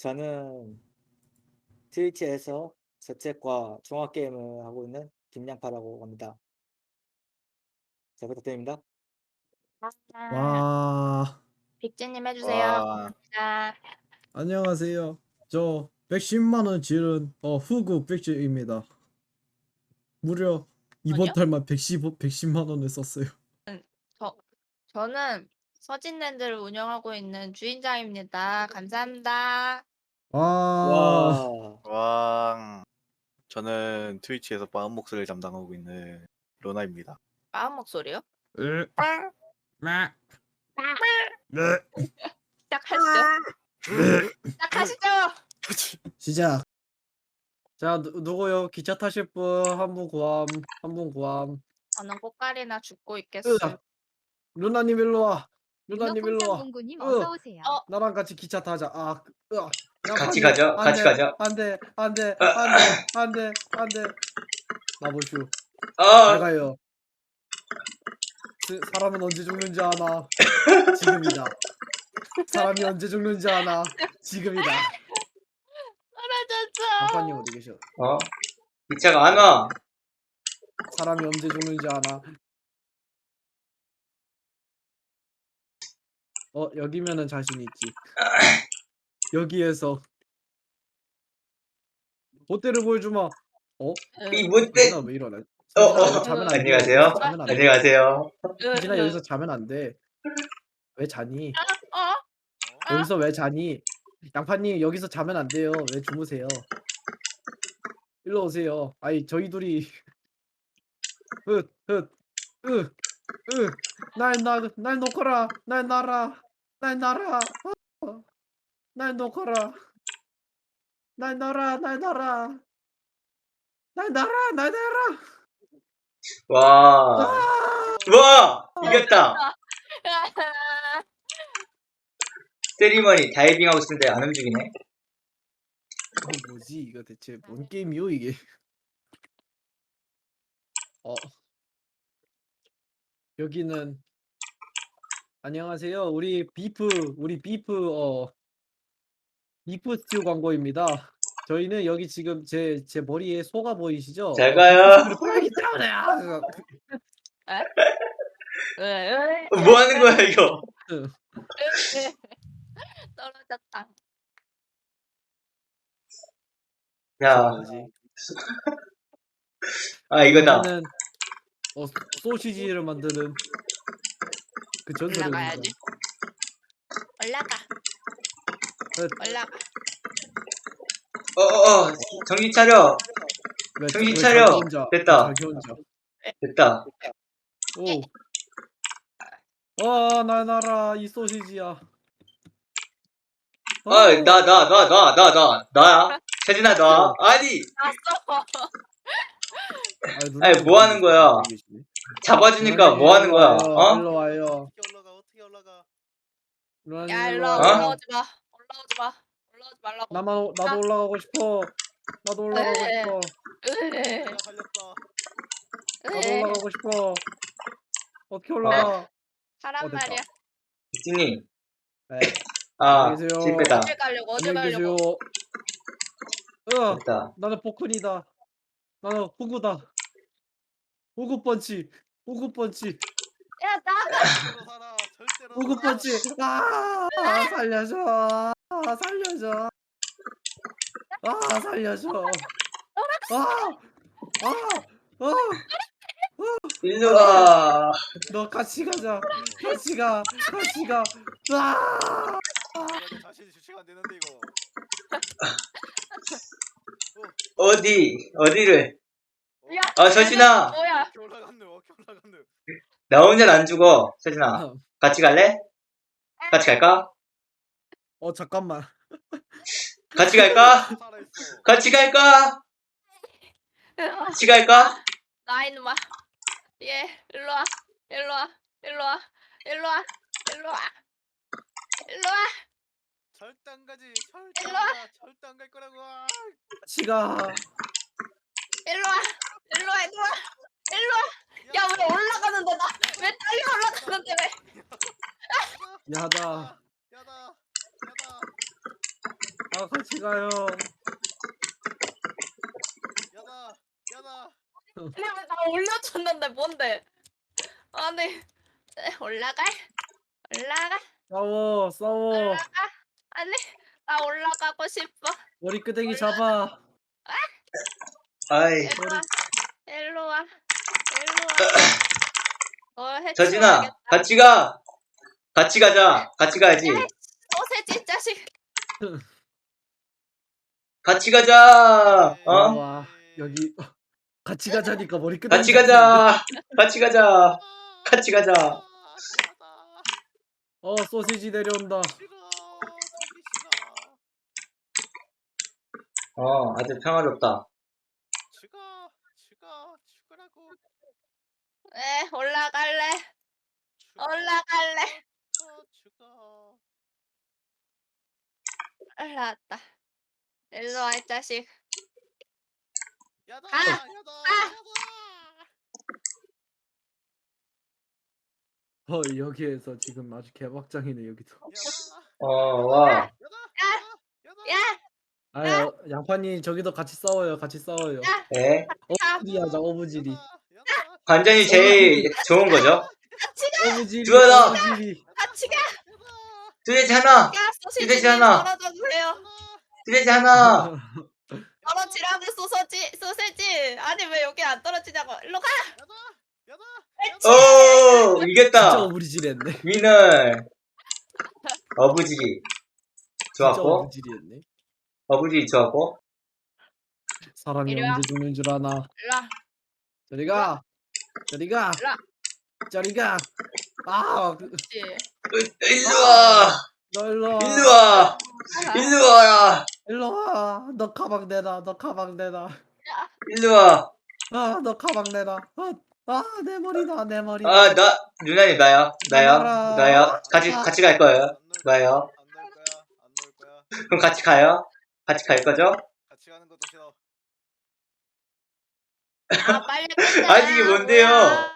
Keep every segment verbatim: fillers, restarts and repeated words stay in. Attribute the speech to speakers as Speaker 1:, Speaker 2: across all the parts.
Speaker 1: 저는 트위치에서 재택과 종합 게임을 하고 있는 김양파라고 합니다. 잘 부탁드립니다.
Speaker 2: 아.
Speaker 3: 와.
Speaker 2: 빅즈님 해주세요.
Speaker 4: 와.
Speaker 2: 감사합니다.
Speaker 3: 안녕하세요. 저 백십만 원 지른 어 후구 백즈입니다. 무려 이번
Speaker 2: 아니요?
Speaker 3: 달만 백십 백십만 원을 썼어요.
Speaker 2: 저 저는 서진랜드를 운영하고 있는 주인장입니다. 감사합니다.
Speaker 3: 와.
Speaker 1: 와.
Speaker 4: 왕. 저는 트위치에서 마음 목소리를 담당하고 있는 로나입니다.
Speaker 2: 마음 목소리요?
Speaker 3: 으.
Speaker 2: 빵.
Speaker 3: 마.
Speaker 2: 빵.
Speaker 3: 네.
Speaker 2: 시작하시죠.
Speaker 3: 네.
Speaker 2: 시작하시죠.
Speaker 3: 시작. 자, 누, 누구요? 기차 타실 분 한 분 구함. 한 분 구함.
Speaker 2: 저는 꽃갈이나 죽고 있겠어요.
Speaker 3: 으. 루나님 일로 와. 루나님 일로 와.
Speaker 5: 공구님
Speaker 3: 으.
Speaker 5: 어서 오세요.
Speaker 2: 어.
Speaker 3: 나랑 같이 기차 타자. 아, 으.
Speaker 6: 같이 가죠. 같이 가죠.
Speaker 3: 안돼, 안돼, 안돼, 안돼, 안돼. 나보슈.
Speaker 6: 어,
Speaker 3: 잘 가요. 스- 사람은 언제 죽는지 아나. 지금이다. 사람이 언제 죽는지 아나. 지금이다.
Speaker 2: 떨어졌어.
Speaker 3: 아빠님 어디 계셔?
Speaker 6: 어? 기차가 안 와.
Speaker 3: 사람이 언제 죽는지 아나. 어, 여기면은 자신 있지. 여기에서 보태를 보여주마. 어?
Speaker 6: 이 못돼.
Speaker 3: 서진아 왜 이러나?
Speaker 6: 어,
Speaker 3: 서진아
Speaker 6: 어.
Speaker 3: 여기서 자면 안 돼.
Speaker 6: 안녕하세요.
Speaker 3: 여기서 자면 안 돼.
Speaker 6: 안녕하세요.
Speaker 3: 서진아 여기서 자면 안 돼. 왜 자니?
Speaker 2: 어?
Speaker 3: 여기서 왜 자니? 양파님 여기서 자면 안 돼요. 왜 주무세요? 일로 오세요. 아이 저희 둘이 흩흩으으날 놓거라. 날 놔라. 날 놔라. 어. 날 놓거라. 날 놔라. 날 놔라. 날 놔라. 날 놔라.
Speaker 6: 와. 와! 이겼다. 스트리머니 다이빙하고 있는데 안 움직이네.
Speaker 3: 어 뭐지 이거 대체 뭔 게임이요 이게? 어 여기는 안녕하세요. 우리 비프 우리 비프 어 비프 스튜 광고입니다. 저희는 여기 지금 제 제 머리에 소가 보이시죠?
Speaker 6: 잘
Speaker 3: 어,
Speaker 6: 가요.
Speaker 3: 비프 스튜를 팔기 때문에요.
Speaker 6: 뭐 하는 거야, 이거?
Speaker 2: 떨어졌다.
Speaker 6: 야,
Speaker 3: 뭐지?
Speaker 6: 아, 이거다.
Speaker 3: 이거는 어 소시지를 만드는 그 전설의
Speaker 2: 올라가야지.
Speaker 3: 음성.
Speaker 2: 올라가.
Speaker 3: 그,
Speaker 2: 올라가.
Speaker 6: 어, 어, 어. 정신 차려.
Speaker 3: 왜,
Speaker 6: 정신
Speaker 3: 왜
Speaker 6: 차려.
Speaker 3: 자기 혼자,
Speaker 6: 됐다.
Speaker 3: 자기 혼자.
Speaker 6: 됐다.
Speaker 3: 오. 아, 나 나라 이 소시지야. 어,
Speaker 6: 아, 나, 나, 나, 나, 나, 나, 나야. 세진아, 나. 아니,
Speaker 2: 났어.
Speaker 6: 아니, 뭐 하는 거야? 잡아주니까 뭐 하는 거야? 어?
Speaker 3: 일로 와요.
Speaker 4: 어떻게 올라가? 어떻게 올라가?
Speaker 3: 루나님
Speaker 2: 야
Speaker 3: 일로
Speaker 2: 일로
Speaker 3: 와.
Speaker 2: 와.
Speaker 6: 어?
Speaker 2: 올라오지 마. 올라오지 마. 올라오지 말라고.
Speaker 3: 나만 오- 나도 올라가고 싶어. 나도 올라가고
Speaker 2: 네.
Speaker 3: 싶어.
Speaker 2: 으.
Speaker 4: 내가 살렸다.
Speaker 3: 나도
Speaker 2: 으.
Speaker 3: 올라가고 싶어. 어떻게 올라가?
Speaker 2: 하란
Speaker 3: 어, 됐다.
Speaker 2: 말이야.
Speaker 6: 빅진님.
Speaker 3: 네.
Speaker 6: 아,
Speaker 3: 안녕히 계세요.
Speaker 6: 실패다.
Speaker 2: 어딜 가려고? 어딜
Speaker 3: 안녕히 계세요.
Speaker 2: 가려고?
Speaker 3: 으,
Speaker 6: 됐다.
Speaker 3: 나는 포크니다. 나는 후구다. 후구 펀치. 후구 펀치.
Speaker 2: 야 나가.
Speaker 4: 절대로 살아. 절대로
Speaker 3: 후구
Speaker 4: 살아.
Speaker 3: 펀치. 아, 살려줘. 아, 살려줘. 아, 살려줘. 아, 아, 아.
Speaker 6: 일로 와.
Speaker 3: 너 같이 가자. 같이 가. 같이 가. 아!
Speaker 4: 이거 자신이 주체가 안 되는데 이거.
Speaker 6: 어디, 어디를?
Speaker 2: 야.
Speaker 6: 아, 서진아.
Speaker 2: 뭐야?
Speaker 4: 어떻게 올라갔노? 어떻게 올라갔노?
Speaker 6: 나 혼자는 안 죽어. 서진아. 같이 갈래? 같이 갈까?
Speaker 3: 어, 잠깐만.
Speaker 6: 같이 갈까?
Speaker 4: 살아있어.
Speaker 6: 같이 갈까? 같이 갈까?
Speaker 2: 나 이놈아. 예. 일로 와. 일로 와. 일로 와. 일로 와. 일로 와. 일로 와.
Speaker 4: 절대 안 가지. 절대 안
Speaker 2: 일로 와.
Speaker 4: 가. 절대 안 갈 거라고. 아.
Speaker 3: 같이 가.
Speaker 2: 일로 와. 일로 와. 일로 와. 일로 와. 야 왜 올라가는데 나? 왜 딸려 올라가는데 왜?
Speaker 3: 야다.
Speaker 4: 야다. 야다.
Speaker 3: 아 같이 가요.
Speaker 4: 야다 야다.
Speaker 2: 아니 왜나 올려줬는데 뭔데? 아니 에, 올라갈? 올라가?
Speaker 3: 싸워 싸워.
Speaker 2: 올라가? 아니 나 올라가고 싶어.
Speaker 3: 머리끄댕이 잡아.
Speaker 6: 아이,
Speaker 2: 일로 와. 일로 와. 일로 와. 어
Speaker 6: 서진아,
Speaker 2: 해치워야겠다.
Speaker 6: 같이 가. 같이 가자. 같이 가야지.
Speaker 2: 소세지 자식.
Speaker 6: 같이 가자. 어?
Speaker 3: 와 여기 같이 가자니까 머리끄댕이.
Speaker 6: 같이 가자. 같이 가자. 같이 가자.
Speaker 4: 야다.
Speaker 3: 어 소시지 내려온다.
Speaker 4: 싫어. 저기 싫어.
Speaker 6: 어, 아주 평화롭다.
Speaker 4: 죽어. 죽어. 죽으라고.
Speaker 2: 에 올라갈래?
Speaker 4: 죽어.
Speaker 2: 올라갈래?
Speaker 4: 어, 죽어.
Speaker 2: 올라왔다. 일로 와, 이 자식.
Speaker 4: 야다.
Speaker 2: 아!
Speaker 4: 야다. 야다.
Speaker 3: 어 여기에서 지금 아주 개박장이네 여기도.
Speaker 4: 야다.
Speaker 6: 어, 와.
Speaker 4: 야다. 야다.
Speaker 2: 야!
Speaker 3: 아 양파님 저기도 같이 싸워요. 같이 싸워요.
Speaker 2: 야!
Speaker 6: 예.
Speaker 3: 어부지리 하자 어부지리.
Speaker 4: 야다.
Speaker 6: 관전이 제일 좋은 거죠.
Speaker 2: 같이 가!
Speaker 3: 어부지리.
Speaker 6: 들어라.
Speaker 3: 어부지리.
Speaker 2: 같이 가!
Speaker 6: 뚜레지 하나.
Speaker 2: 야, 소시지
Speaker 6: 이대지 하나.
Speaker 2: 떨어져 주세요.
Speaker 6: 뚜레지 하나.
Speaker 2: 떨어지라고 소세지, 소세지. 아니 왜 여기 안 떨어지냐고. 일로 가!
Speaker 4: 야다. 야다.
Speaker 6: 오,
Speaker 3: 진짜
Speaker 6: 이겼다.
Speaker 3: 어부지리 했네.
Speaker 6: 위너. 어부지리.
Speaker 3: 진짜
Speaker 6: 좋았고.
Speaker 3: 어부지리 했네.
Speaker 6: 어부지리 좋았고.
Speaker 3: 사람이
Speaker 2: 이리 와.
Speaker 3: 언제 죽는 줄 아나.
Speaker 2: 일로 와.
Speaker 3: 저리 가. 저리 가.
Speaker 2: 일로 와.
Speaker 3: 저리 가. 아, 그-
Speaker 2: 그렇지.
Speaker 6: 으, 일로 와.
Speaker 3: 너 일로 와.
Speaker 6: 일로 와. 일로 와라.
Speaker 3: 일로 와. 너 가방 내놔. 너 가방 내놔.
Speaker 6: 일로 와.
Speaker 3: 아, 너 가방 내놔. 아, 아, 내 머리다. 내 머리.
Speaker 6: 아, 나, 누나님, 나요. 나요.
Speaker 3: 누나라.
Speaker 6: 나요. 같이, 같이 갈 거예요. 나요.
Speaker 4: 안 놀 거야. 안 놀 거야.
Speaker 6: 그럼 같이 가요. 같이 갈 거죠?
Speaker 4: 같이 가는 것도 싫어.
Speaker 2: 아, 빨리 끝내.
Speaker 6: 아, 이게 뭔데요?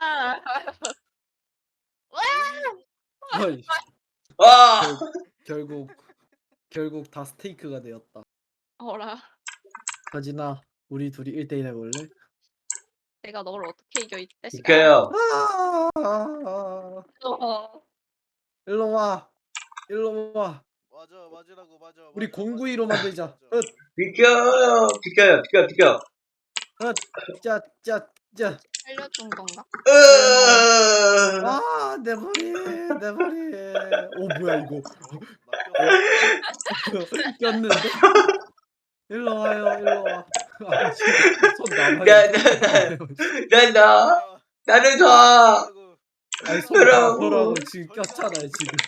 Speaker 3: 어이,
Speaker 6: 와.
Speaker 3: 결국 결국 다 스테이크가 되었다.
Speaker 2: 어라.
Speaker 3: 서진아, 우리 둘이 일 대일 해볼래?
Speaker 2: 내가 너를 어떻게 이겨 이 자식아.
Speaker 6: 비켜요.
Speaker 3: 아,
Speaker 2: 어.
Speaker 3: 일로 와. 일로 와.
Speaker 4: 맞아. 맞으라고 맞아.
Speaker 3: 우리
Speaker 4: 맞아,
Speaker 3: 공구이로
Speaker 4: 맞아.
Speaker 3: 만들자.
Speaker 4: 맞아.
Speaker 3: 엇,
Speaker 6: 비켜요. 비켜요. 비켜, 비켜.
Speaker 3: 엇, 짜, 짜, 짜.
Speaker 2: 살려준 건가?
Speaker 6: 으.
Speaker 3: 아, 내 머리, 내 머리. 오, 뭐야 이거?
Speaker 4: 맡겼어.
Speaker 3: 꼈는데? 일로 와요, 일로 와. 아, 지금 손
Speaker 6: 야,
Speaker 3: 남아요.
Speaker 6: 나, 나, 나, 나를 놔.
Speaker 3: 아니 손
Speaker 6: 그러고.
Speaker 3: 남으라고 지금 꼈잖아요 지금.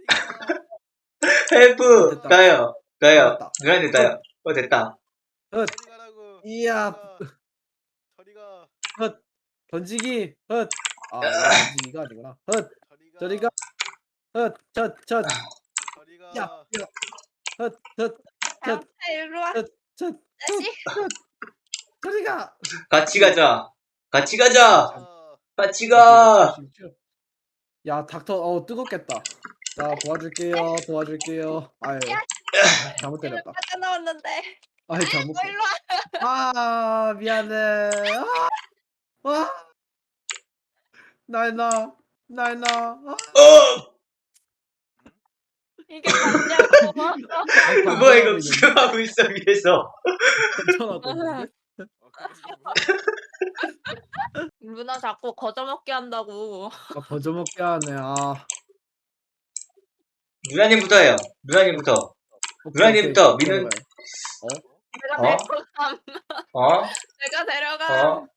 Speaker 6: 헬프.
Speaker 3: 됐다.
Speaker 6: 나요. 나요.
Speaker 3: 됐다.
Speaker 6: 누나님, 나요. 어, 됐다.
Speaker 3: 엇,
Speaker 4: 저리 가라고.
Speaker 3: 이야.
Speaker 4: 저리 가.
Speaker 3: 헛 던지기 헛. 아 이거 던지기가 아니구나. 헛
Speaker 4: 저리 가.
Speaker 3: 저리가 헛젖젖
Speaker 4: 저리 가.
Speaker 3: 야, 헛헛
Speaker 2: 야, 일로 와.
Speaker 3: 젖
Speaker 2: 자식.
Speaker 3: 저리가.
Speaker 6: 같이 가자. 같이 가자.
Speaker 4: 아,
Speaker 6: 같이 가.
Speaker 3: 야 닥터 어 뜨겁겠다. 자 도와줄게요 도와줄게요. 아유 잘못
Speaker 2: 이거
Speaker 3: 때렸다.
Speaker 2: 빠져나왔는데.
Speaker 3: 아유 잘못.
Speaker 2: 너 일로 와.
Speaker 3: 아 미안해. 아, 와. 날 놔. 날 놔. 아.
Speaker 6: 어!
Speaker 2: 이게 맞냐고.
Speaker 3: 아이,
Speaker 6: 그거 이거
Speaker 3: 반전하고
Speaker 6: 지금 하고 있어, 위에서.
Speaker 3: 반전하고 있는데?
Speaker 4: 어, 그거 뭐야?
Speaker 2: 누나 자꾸 거저먹게 한다고.
Speaker 3: 아 버저먹게 하네. 아
Speaker 6: 누나님부터 해요. 누나님부터.
Speaker 3: 오케이,
Speaker 6: 누나님부터
Speaker 3: 오케이.
Speaker 6: 미는-
Speaker 2: 내가
Speaker 6: 어?
Speaker 2: 데려감.
Speaker 6: 어?
Speaker 2: 내가 데려감.
Speaker 6: 어?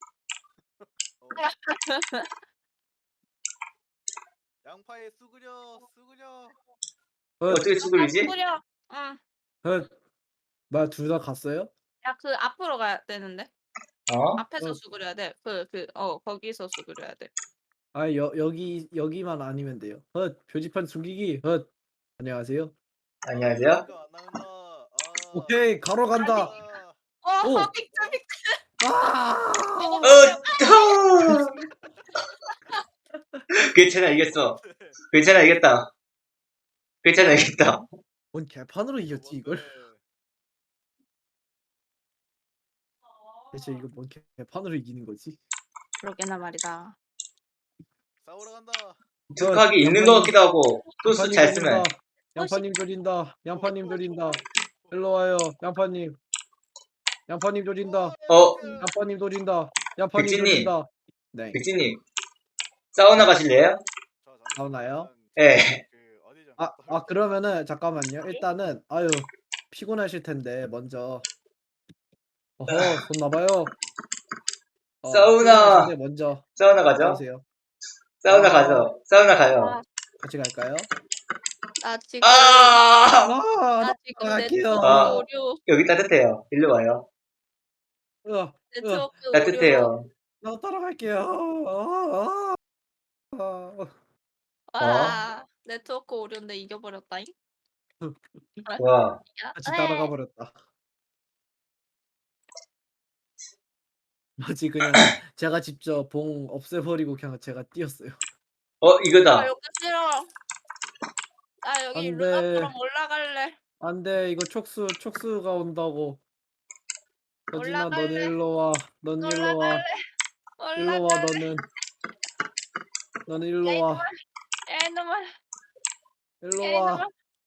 Speaker 4: 양파에 쑥으려. 쑥으려.
Speaker 3: 어,
Speaker 6: 어떻게 수그리지?
Speaker 2: 뿌려. 응.
Speaker 3: 어, 뭐야 둘 다 갔어요?
Speaker 2: 야, 그 앞으로 가야 되는데.
Speaker 6: 어?
Speaker 2: 앞에서
Speaker 3: 어.
Speaker 2: 수그려야 돼. 그, 그, 어, 거기서 수그려야 돼.
Speaker 3: 아 여, 여기 여기만 아니면 돼요. 헛 표지판 숨기기. 헛 안녕하세요.
Speaker 6: 안녕하세요.
Speaker 4: 이거 안 나온다. 아,
Speaker 3: 오케이 가러 간다.
Speaker 4: 아,
Speaker 2: 어,
Speaker 3: 오.
Speaker 2: 빅트, 빅트.
Speaker 3: 아
Speaker 6: 어, 또! 괜찮아, 이겼어. 괜찮아, 이겼다. 괜찮아, 이겼다.
Speaker 3: 뭔 개판으로 이겼지 이걸?
Speaker 4: 뭔데?
Speaker 3: 대체 이거 뭔 개판으로 이기는 거지?
Speaker 2: 그러게나 말이다.
Speaker 4: 싸우러 간다.
Speaker 6: 득하기 있는
Speaker 3: 양파님,
Speaker 6: 것 같기도 하고 또 수
Speaker 3: 양파님
Speaker 6: 잘 쓰면.
Speaker 3: 조린다. 양파님 조린다. 양파님 조린다. 일로 와요. 양파님. 양파님 조린다.
Speaker 6: 어,
Speaker 3: 양파님 조린다. 양파님
Speaker 6: 백진님.
Speaker 3: 조린다. 네.
Speaker 6: 백진님 사우나 가실래요?
Speaker 4: 저
Speaker 3: 나오나요?
Speaker 6: 예.
Speaker 4: 그 어디죠?
Speaker 3: 아, 아 그러면은 잠깐만요. 일단은 아유 피곤하실 텐데 먼저 어허 손 놔봐요. 어,
Speaker 6: 사우나.
Speaker 3: 피곤하신데 먼저
Speaker 6: 사우나 가죠?
Speaker 3: 나오세요.
Speaker 6: 사우나
Speaker 3: 아.
Speaker 6: 가죠. 사우나 가요.
Speaker 2: 아,
Speaker 3: 같이 갈까요?
Speaker 2: 나 지금
Speaker 6: 아,
Speaker 3: 아,
Speaker 2: 나 지금
Speaker 3: 갈게요.
Speaker 2: 네트워크
Speaker 6: 아.
Speaker 2: 오류
Speaker 6: 여기 따뜻해요. 일로 와요.
Speaker 3: 으아,
Speaker 2: 네트워크 오류.
Speaker 6: 따뜻해요.
Speaker 3: 나 따라갈게요. 아, 아, 아.
Speaker 2: 아 네트워크 오류인데 이겨버렸다잉.
Speaker 6: 와,
Speaker 2: 야,
Speaker 3: 같이
Speaker 2: 에이.
Speaker 3: 따라가 버렸다. 마치 그냥 제가 직접 봉 없애버리고 그냥 제가 뛰었어요.
Speaker 6: 어
Speaker 2: 나
Speaker 6: 이거다.
Speaker 2: 여기 싫어. 나 여기
Speaker 3: 안 돼.
Speaker 2: 루나처럼 올라갈래.
Speaker 3: 안돼 이거 촉수 촉수가 온다고. 서진아 너는
Speaker 2: 올라갈래.
Speaker 3: 일로 와. 넌 일로 와.
Speaker 2: 올라갈래.
Speaker 3: 일로 와
Speaker 2: 올라갈래.
Speaker 3: 너는. 너는
Speaker 2: 야,
Speaker 3: 일로 와.
Speaker 2: 야 이놈아.
Speaker 3: 일로
Speaker 2: 야
Speaker 3: 와.
Speaker 2: 이놈아.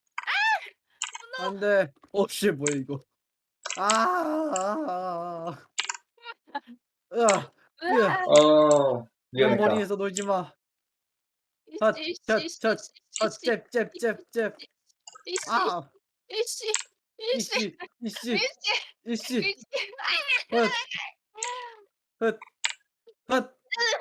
Speaker 3: 안돼. 어씨 뭐야 이거. 아. 아, 아. 으아. 으아.
Speaker 6: 어,
Speaker 3: 내
Speaker 6: 위험했다.
Speaker 3: 머리에서 놀지 마. 헛,
Speaker 2: 이씨
Speaker 3: 헛,
Speaker 2: 이씨
Speaker 3: 헛, 아,
Speaker 2: 이씨
Speaker 3: 잽, 잽, 잽, 잽.
Speaker 2: 이씨
Speaker 3: 아,
Speaker 2: 이씨 이씨
Speaker 3: 이씨, 이씨,
Speaker 2: 이씨
Speaker 3: 이씨.
Speaker 2: 이씨.
Speaker 3: 헛, 헛, 헛.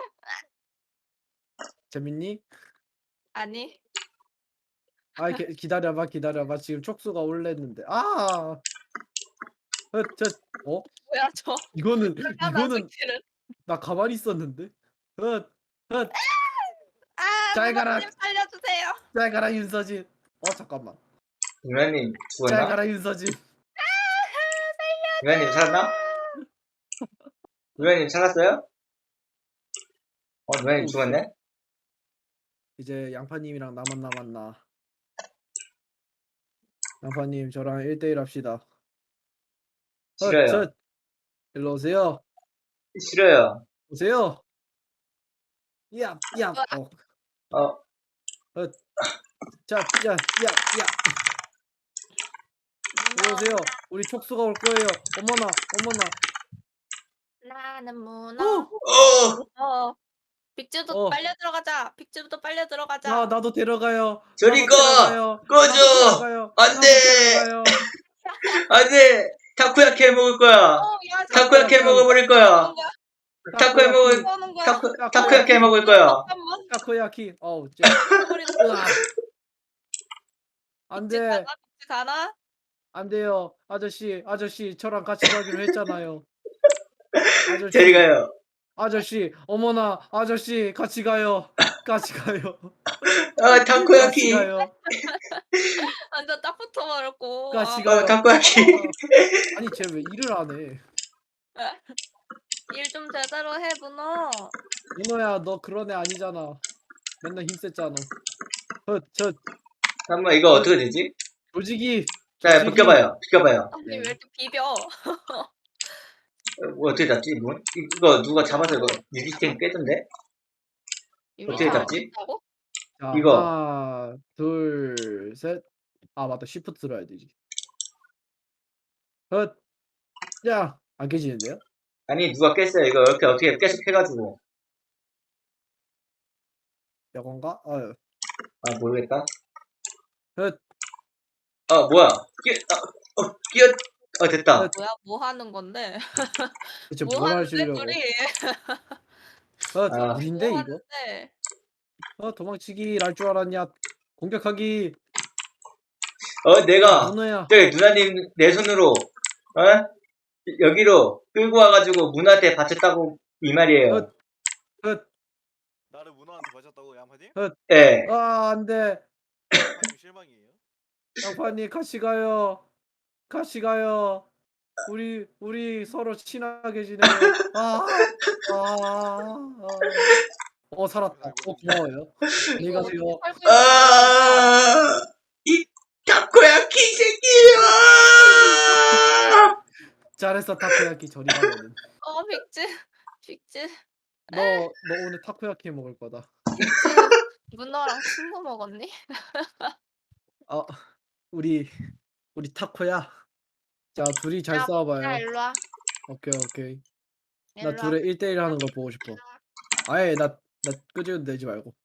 Speaker 3: 재밌니?
Speaker 2: 아니
Speaker 3: 아, 기, 기다려봐, 기다려봐. 지금 촉수가 올랬는데. 아, 헛, 저, 어?
Speaker 2: 뭐야 저
Speaker 3: 이거는,
Speaker 2: 이거는
Speaker 3: 이거는 나 가만히 있었는데. 헛, 헛.
Speaker 2: 아
Speaker 3: 잘 가라.
Speaker 2: 누나님 살려주세요.
Speaker 3: 잘 가라 윤서진. 어 잠깐만.
Speaker 6: 누나님
Speaker 3: 잘
Speaker 6: 죽었나?
Speaker 3: 가라 윤서진.
Speaker 6: 누나님 살았나? 누나님 살았어요? 어, 누나님 죽었네?
Speaker 3: 이제 양파님이랑 나만 남았나. 양파님 저랑 일 대일 합시다. 헛,
Speaker 6: 싫어요.
Speaker 3: 저, 일로 오세요.
Speaker 6: 싫어요.
Speaker 3: 오세요. 야, 야, 어,
Speaker 6: 어,
Speaker 3: 자, 야, 야, 야. 일로 오세요. 우리 촉수가 올 거예요. 어머나, 어머나.
Speaker 2: 나는
Speaker 3: 어,
Speaker 2: 문어.
Speaker 6: 어,
Speaker 2: 어. 빅즈도
Speaker 3: 어.
Speaker 2: 빨려 들어가자. 빅즈부터 빨려 들어가자.
Speaker 3: 나 나도 데려가요.
Speaker 6: 저리
Speaker 3: 나도
Speaker 6: 가!
Speaker 3: 데려가요.
Speaker 6: 꺼져!
Speaker 3: 나도 데려가요.
Speaker 6: 안
Speaker 3: 나도
Speaker 6: 돼!
Speaker 3: 데려가요.
Speaker 6: 안 돼! 타코야키 해 먹을 거야!
Speaker 2: 어, 야,
Speaker 6: 타코야키 해 먹어버릴 거야! 타코 해 먹을,
Speaker 2: 쏘는 거야.
Speaker 6: 타코, 타코야키 해 먹을 거야!
Speaker 2: 잠깐만.
Speaker 3: 타코야키. 어우, 쟤.
Speaker 2: 우리
Speaker 3: 으아. 안
Speaker 2: 빅즈
Speaker 3: 돼.
Speaker 2: 가나? 빅즈 가나?
Speaker 3: 안 돼요. 아저씨, 아저씨, 저랑 같이 가기로 했잖아요. 아저씨,
Speaker 6: 저리 가요.
Speaker 3: 아저씨, 어머나, 아저씨, 같이 가요. 같이 가요.
Speaker 6: 아,
Speaker 3: 같이
Speaker 6: 타코야키!
Speaker 3: 가요.
Speaker 2: 완전 딱 붙어버렸고.
Speaker 3: 같이
Speaker 2: 아,
Speaker 3: 가요.
Speaker 6: 어, 타코야키!
Speaker 3: 아니, 쟤 왜 일을 안 해?
Speaker 2: 일 좀 제대로 해, 문어.
Speaker 3: 민호야, 너 그런 애 아니잖아. 맨날 힘셌잖아. 저, 저,
Speaker 6: 잠깐만, 이거 어떻게 되지?
Speaker 3: 조직이.
Speaker 6: 자,
Speaker 3: 조직이-
Speaker 6: 비켜봐요. 비켜봐요.
Speaker 2: 아니,
Speaker 3: 네.
Speaker 2: 왜 이렇게 비벼?
Speaker 6: 어, 뭐 어떻게 잡지? 뭐? 이거 누가 잡아서 이거 유리스템 깨던데? 어떻게
Speaker 2: 유리창
Speaker 6: 잡지?
Speaker 2: 없다고?
Speaker 3: 자,
Speaker 6: 이거.
Speaker 3: 하나, 둘, 셋. 아, 맞다. 시프트 들어야 되지. 헛. 야, 안 깨지는데요?
Speaker 6: 아니, 누가 깼어요. 이거 이렇게 어떻게 계속 해가지고.
Speaker 3: 이건가? 아유.
Speaker 6: 아, 모르겠다.
Speaker 3: 헛.
Speaker 6: 아, 뭐야. 끼, 아, 어, 끼어, 어, 됐다.
Speaker 2: 뭐야? 뭐 하는 건데?
Speaker 3: 대체
Speaker 2: 뭐
Speaker 3: 뭘
Speaker 2: 하는데,
Speaker 3: 하시려고?
Speaker 2: 둘이?
Speaker 3: 헛.
Speaker 6: 아.
Speaker 3: 무인데,
Speaker 2: 뭐
Speaker 3: 이거?
Speaker 2: 하는데?
Speaker 3: 어, 도망치기 랄 줄 알았냐? 공격하기.
Speaker 6: 어, 내가,
Speaker 3: 문어야.
Speaker 6: 저기 누나님 내 손으로, 어? 여기로 끌고 와가지고 문화한테 바쳤다고 이 말이에요.
Speaker 3: 헛. 헛.
Speaker 4: 나를 문어한테 바쳤다고 양파님?
Speaker 6: 예.
Speaker 3: 아, 안 돼.
Speaker 4: 양파님 실망이에요.
Speaker 3: 양파님 같이 가요. 같이 가요. 우리 우리 서로 친하게 지내요. 아, 아, 아. 어 살았다. 어 고마워요. 안녕히
Speaker 2: 이거
Speaker 3: 가세요.
Speaker 2: 어떻게 살고 있는 거야?
Speaker 6: 아, 이 타코야키 새끼야!
Speaker 3: 잘했어 타코야키 저리 가 너는.
Speaker 2: 어 빅즈 빅즈
Speaker 3: 너, 너 오늘 타코야키 먹을 거다.
Speaker 2: 빅즈 문어랑 친구 먹었니?
Speaker 3: 아 우리 우리 타코야. 자 둘이 잘
Speaker 2: 야,
Speaker 3: 싸워봐요.
Speaker 2: 야 일로 와.
Speaker 3: 오케이 오케이. 나
Speaker 2: 일로 와.
Speaker 3: 둘의 일 대일 하는 거 보고 싶어. 아예 나나 끄지고 내지 말고.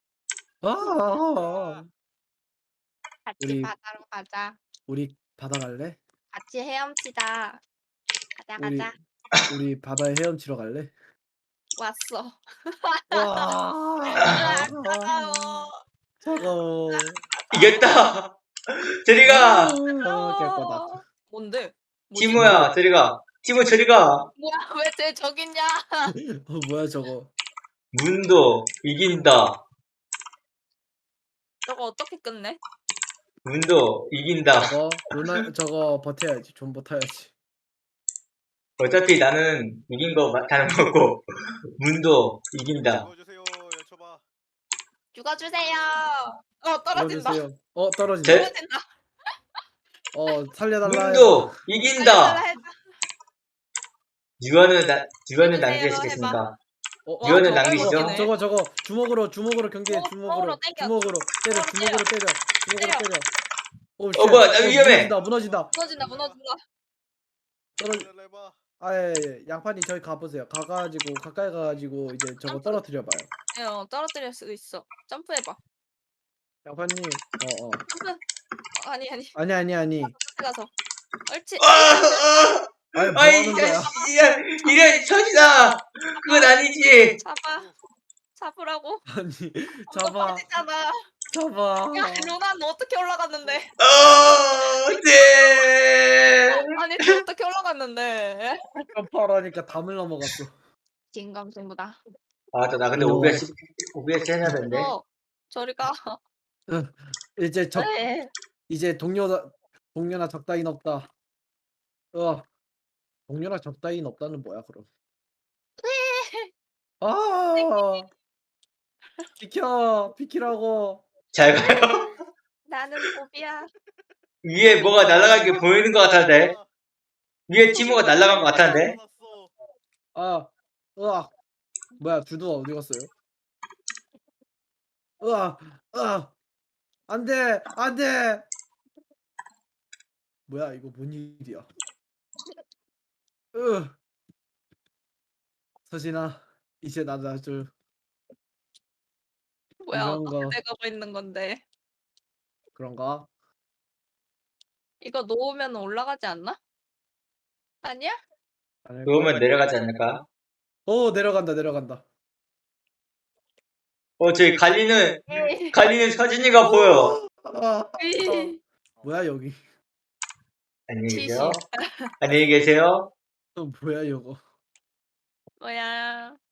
Speaker 3: 아
Speaker 2: 같이
Speaker 3: 우리-
Speaker 2: 바다로 가자.
Speaker 3: 우리 바다 갈래?
Speaker 2: 같이 헤엄치자. 가자
Speaker 3: 우리
Speaker 2: 가자.
Speaker 3: 우리 바다에 헤엄치러 갈래?
Speaker 2: 왔어.
Speaker 3: 와
Speaker 2: 으악, 차가워.
Speaker 3: 차가워.
Speaker 6: 이겼다. 저리가.
Speaker 3: 아, 개꺼다.
Speaker 2: 어. 뭔데? 뭐지?
Speaker 6: 티모야, 저리가. 티모, 저리가.
Speaker 2: 뭐야 왜 쟤 저기 있냐?
Speaker 3: 어, 뭐야 저거?
Speaker 6: 문도 이긴다.
Speaker 2: 저거 어떻게 끝내?
Speaker 6: 문도 이긴다.
Speaker 3: 저거 루나 저거 버텨야지. 좀 버텨야지.
Speaker 6: 어차피 나는 이긴 거 다는 거고 문도 이긴다.
Speaker 4: 보여주세요. 여쭤봐.
Speaker 2: 죽어주세요. 어 떨어진다.
Speaker 3: 들어주세요. 어 떨어진다.
Speaker 6: 제-
Speaker 2: 떨어진다.
Speaker 3: 어 살려달라.
Speaker 6: 문도 이긴다.
Speaker 2: 달려달라 해봐.
Speaker 6: 유언을 나 유언을
Speaker 2: 해주세요,
Speaker 6: 남기시겠습니까?
Speaker 3: 어,
Speaker 6: 유언을
Speaker 2: 저거
Speaker 6: 남기시죠?
Speaker 2: 이거네.
Speaker 3: 저거 저거 주먹으로 주먹으로 경기해.
Speaker 2: 주먹-
Speaker 3: 주먹으로
Speaker 2: 주먹으로 땡겨.
Speaker 3: 주먹으로 때려.
Speaker 2: 주먹으로
Speaker 3: 주먹으로 때려. 주먹으로
Speaker 2: 때려.
Speaker 3: 때려. 오,
Speaker 6: 어, 뭐야, 나 위험해.
Speaker 3: 무너진다. 무너진다.
Speaker 2: 무너진다 무너진다.
Speaker 3: 떨어지.
Speaker 4: 해봐.
Speaker 3: 아예 예. 양파님 저기 가보세요. 가가지고 가까이 가가지고 이제 저거
Speaker 2: 점프.
Speaker 3: 떨어뜨려 봐요.
Speaker 2: 예, 어, 떨어뜨릴 수 있어. 점프해봐.
Speaker 3: 양파님. 어 어.
Speaker 2: 점프. 어, 아니 아니.
Speaker 3: 아니 아니 아니.
Speaker 2: 끝에 가서. 옳지.
Speaker 6: 아, 아,
Speaker 3: 아니 뭐
Speaker 6: 아이
Speaker 3: 하는 거야?
Speaker 6: 야, 이래 천이다. 그건 아니지.
Speaker 2: 잡아. 잡으라고.
Speaker 3: 아니
Speaker 2: 잡아.
Speaker 3: 잡아
Speaker 2: 빠지잖아.
Speaker 3: 잡아.
Speaker 2: 야 루나 너 어떻게 올라갔는데?
Speaker 6: 어, 네.
Speaker 2: 아니 너 어떻게 올라갔는데?
Speaker 3: 점프하라니까 담을 넘어갔어.
Speaker 2: 진감승부다.
Speaker 6: 아, 또 나 근데
Speaker 3: 이거-
Speaker 6: 오비에스 오비에스 해야 되는데.
Speaker 2: 어 저리 가.
Speaker 3: 이제 적
Speaker 2: 네.
Speaker 3: 이제 동료다 동료나 적다인 없다. 어 동료나 적다인 없다는 뭐야 그럼? 아 비켜 비키라고.
Speaker 6: 잘 가요.
Speaker 2: 나는 보비야.
Speaker 6: 위에 뭐가 날아간 게 보이는 것 같은데. 위에 티모가 날아간 것 같은데.
Speaker 3: 아 으악 뭐야 주두가 어디 갔어요? 으악 으악 안돼 안돼. 뭐야 이거 뭔 일이야? 으 서진아 이제 나도 아주
Speaker 2: 뭐야
Speaker 3: 이런
Speaker 2: 어떻게
Speaker 3: 거.
Speaker 2: 돼가고 있는 건데?
Speaker 3: 그런가?
Speaker 2: 이거 놓으면 올라가지 않나? 아니야?
Speaker 3: 아닐까?
Speaker 6: 그러면 내려가지 않을까?
Speaker 3: 오 내려간다 내려간다.
Speaker 6: 어, 저기 갈리는
Speaker 2: 에이.
Speaker 6: 갈리는 서진이가 보여.
Speaker 3: 아,
Speaker 2: 에이.
Speaker 3: 뭐야 여기?
Speaker 6: 안녕히
Speaker 2: 치시.
Speaker 6: 계세요. 안녕히 계세요.
Speaker 3: 어, 뭐야 이거?
Speaker 2: 뭐야?